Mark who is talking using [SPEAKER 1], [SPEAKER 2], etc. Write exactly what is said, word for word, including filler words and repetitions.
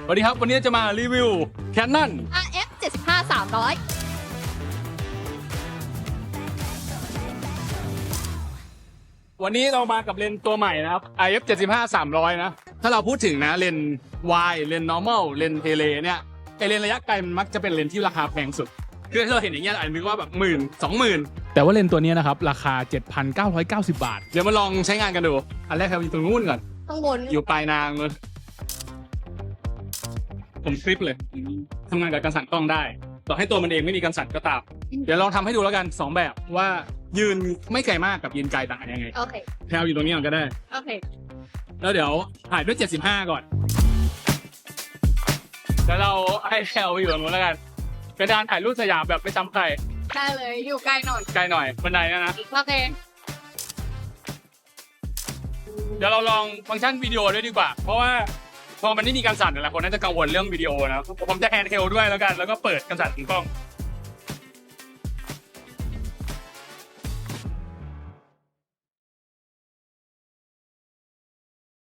[SPEAKER 1] สวัสดีครับวันนี้จะมารีวิว Canon
[SPEAKER 2] อาร์ เอฟ เจ็ดสิบห้า สามร้อย
[SPEAKER 1] วันนี้เรามากับเลนส์ตัวใหม่นะครับ ไอ เอฟ เจ็ดสิบห้า สามร้อย นะ ถ้าเราพูดถึงนะเลนส์ Y เลนส์ normal เลนส์ tele เนี่ยไอเลนส์ระยะไกลมันมักจะเป็นเลนส์ที่ราคาแพงสุดคือถ้าเราเห็นอย่างเงี้ยอาจจะนึกว่าแบบหมื่นสองหมื่นแต่ว่าเลนส์ตัวนี้นะครับราคา เจ็ดพันเก้าร้อยเก้าสิบ บาทเดี๋ยวมาลองใช้งานกันดูอันแรกเราอยู่ตรงนู้นก่อน
[SPEAKER 2] ข้างบน
[SPEAKER 1] อยู่ปลายนางเลยผมคลิปเลยทำงานกับกันสั่นกล้องได้ต่อให้ตัวมันเองไม่มีกันสั่นก็ตามเดี๋ยวลองทำให้ดูแล้วกันสองแบบว่ายืนไม่ไกลมากกับยืนไกลต่างกันยังไง
[SPEAKER 2] โอเค
[SPEAKER 1] แพลวอยู่ตรงนี้ก่อนก็ได้
[SPEAKER 2] โอเค
[SPEAKER 1] แล้วเดี๋ยวถ่ายด้วยเจ็ดสิบห้าก่อนแล้วเราให้แพลวอยู่ตรงนู้นแล้วกันเป็นการถ่ายรูปสยามแบบไม่ซ้ำใคร
[SPEAKER 2] ได้เลย อยู่ใกล้หน่อย
[SPEAKER 1] ไกลหน่อยบันไดนะนะ
[SPEAKER 2] โอเค
[SPEAKER 1] เดี๋ยวเราลองฟังก์ชันวิดีโอด้วยดีกว่าเพราะว่าพอมันไม่มีการสั่นแต่ละคนน่าจะกังวลเรื่องวิดีโอนะผมจะแฮนด์เฮลด้วยแล้วกันแล้วก็เปิดกันสั่นของกล้อง